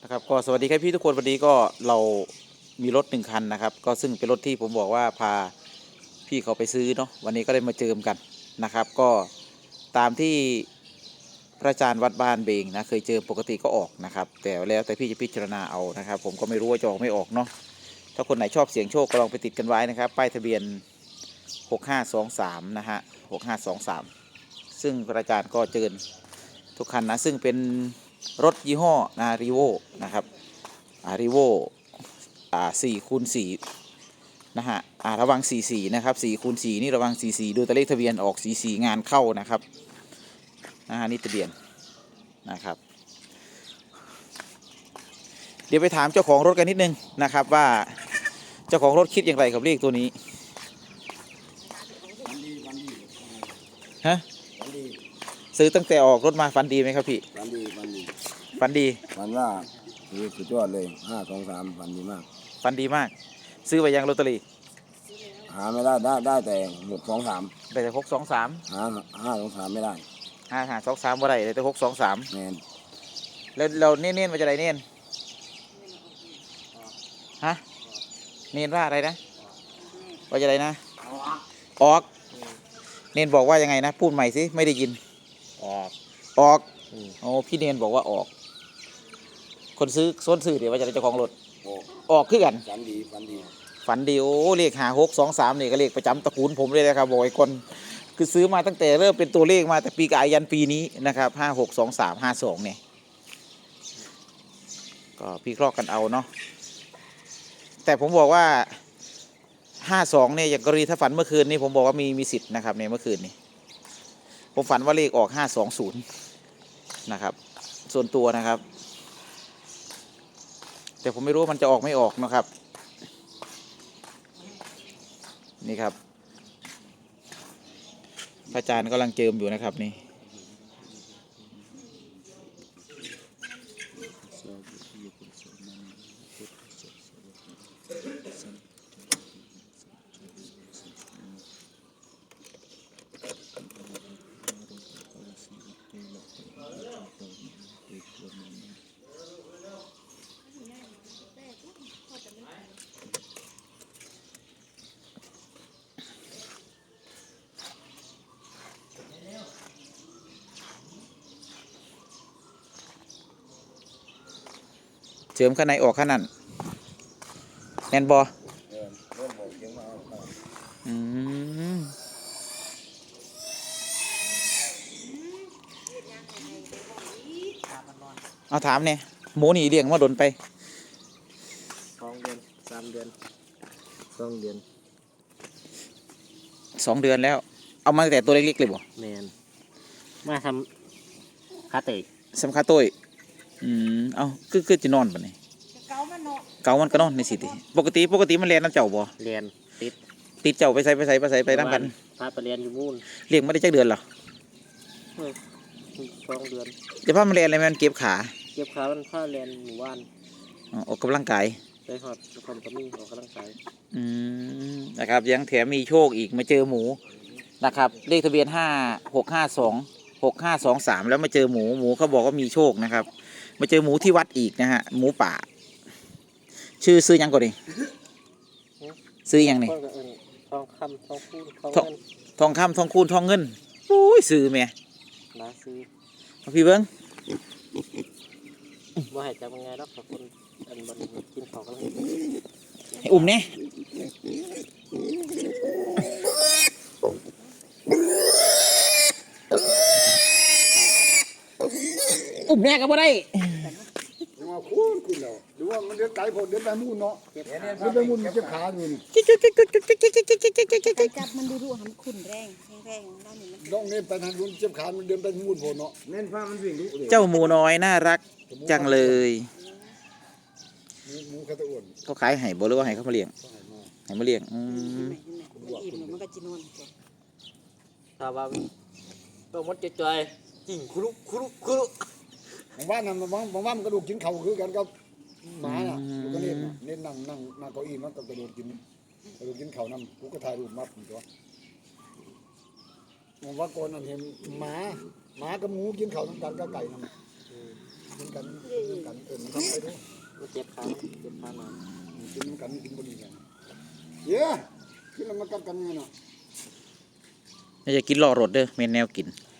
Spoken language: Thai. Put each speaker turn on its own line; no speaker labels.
นะครับก็สวัสดีครับพี่ทุกคนวันนี้ก็เรามีรถ1 คันนะครับก็ซึ่งเป็นรถที่ผมบอกว่าพาพี่เขาไปซื้อเนาะวันนี้ก็ได้มาเจิมกันนะครับก็ตามที่พระอาจารย์วัดบ้านเบงนะเคยเจอปกติก็ออกนะครับแต่แล้วแต่พี่จะพิจารณาเอานะครับผมก็ไม่รู้ว่าจะออกไม่ออกเนาะถ้าคนไหนชอบเสี่ยงโชคก็ลองไปติดกันไว้นะครับป้ายทะเบียน6523นะฮะ6523ซึ่งพระอาจารย์ก็เจิญทุกคันนะซึ่งเป็นรถยี่ห้อนะรีโวนะครับรีโว4x4นะฮะระวัง44นะครับ4x4นี่ระวัง44ดูตัวเลขทะเบียนออก44งานเข้านะครับนี่ทะเบียนนะครับเดี๋ยวไปถามเจ้าของรถกันนิดนึงนะครับว่าเจ้าของรถคิดอย่างไรกับเลขตัวนี้ฮะซื้อตั้งแต่ออกรถมาฟันดีไหมครับพี่
ฟันดี
ฟันดี
ฟันว่าสุดยอดเลย523ฟันดีมาก
ฟันดีมากซื้อไปยังลอตเตอรี่
หาไม่ได้แต่623
ได้แต่623
523ไม่ได้
523บ่ได้ได้แต่623
แมน
แล้วเราเน้นมาจะไรเน้นฮะเน้นว่าอะไรนะว่าจะไรนะออกเน้นบอกว่ายังไงนะพูดใหม่สิไม่ได้ยิน
ออก
โอ้พี่เน้นบอกว่าออกคนซื้อเดี๋ยวว่าจะได้เจ้าของรถออกขึ้นกัน
ฝัน
ดีโอ้เลข5623นี่ก็เลขประจำตระกูลผมเลยนะครับบอกไอ้คนคือซื้อมาตั้งแต่เริ่มเป็นตัวเลขมาแต่ปีกายยันปีนี้นะครับ562352เนี่ยก็พี่เคราะห์กันเอาเนาะแต่ผมบอกว่า52เนี่ยอย่างกรณีถ้าฝันเมื่อคืนนี้ผมบอกว่ามีสิทธิ์นะครับในเมื่อคืนนี้ผมฝันว่าเลขออก520นะครับส่วนตัวนะครับแต่ผมไม่รู้มันจะออกไม่ออกนะครับนี่ครับพระอาจารย์กำลังเจิมอยู่นะครับนี่เจิมข้างในออกข้างนั้นแน่นบอเอาถามเนี่ยหมูนี่เลี้ยงมาโดนไป
2 เดือน3 เดือน2 เดือน
2 เดือนแล้วเอามาแต่ตัวเล็กๆเลยบ่
แมนมาทำคาเตะ
สำคัญตัวเอาคือจะนอนปะนี่เกามันก็นอนในสิติปกติมันเรียนน้ำเจ้าบ่
เรียน
ติดเจ้าไปใส่ไปนั่งกัน
พาไปเรียนอยู่มูน
เลี้ยงไม่ได้จักเดือนหรอ
2 เดือน
จะพามันเรียนอะไรมันเก็บขา
มันพาเรียนหมู่บ้าน
ออกกำลังกาย
ไปหอดความกระมี่ออกกำลังกาย
นะครับยังแถมมีโชคอีกมาเจอหมูนะครับเลขทะเบียน56526523แล้วมาเจอหมูเขาบอกว่ามีโชคนะครับมาเจอหมูที่วัดอีกนะฮะหมูป่าซื้อยังก่อนดิซื้อยังนี่
ทองคำทองคูณ
ทองคำทองคูณทองเงินโอ้ยซื้อเมีย
นะซื้อ
พี่เบิ้ง
ว่าให้จับยังไงรับกับคนอันบันกินข้าวกัน
ให้อุ้มเนี่ยอุ้มแม่ก็บ่ได้
มาคูณขึ้นแล้วหรือว่ามันเดินไกลพอเดินไปมูนเนาะเดินไปมูนเจ็บขาอยู่นี่
จับมันดูหันขุ่นแรงด้านนี้มัน
ต้องเน้นไปทางนู้นเจ็บขามันเดินไปมูนพอเนาะ
เน้นฟ้ามันวิ่งดู
เจ้าหมูน้อยน่ารักจังเลย
หมูกระตุ้น
เขาขายให้บ่หรือว่าให้เขามาเลี้ยงให้มาเลี้ยง
อิ่มมันก็จีนวล
ถ้าว่าตัวมดจอยจริงคุรุ
บางบ้านน่ะบางบ้านมันกระดูกกินเข่าคือกันกับหมาน่ะลูกก็เน้นนั่งเก้าอี้มันก็กระดูกกินเข่านั่งกูก็ถ่ายรูปมัดตัวผมว่าก่อนนั่นเห็นหมากับหมูกินเข่าน้ำตาลกับไก่นั่นกินกันทำไปดู
ก็เจ็บขาเจ็บขาหนอน
กินกันกินบดีกันเย้กินแล้วมันกัดกันไงเนาะ
น่าจะกินล่อรถเด้อเมนแนวกิน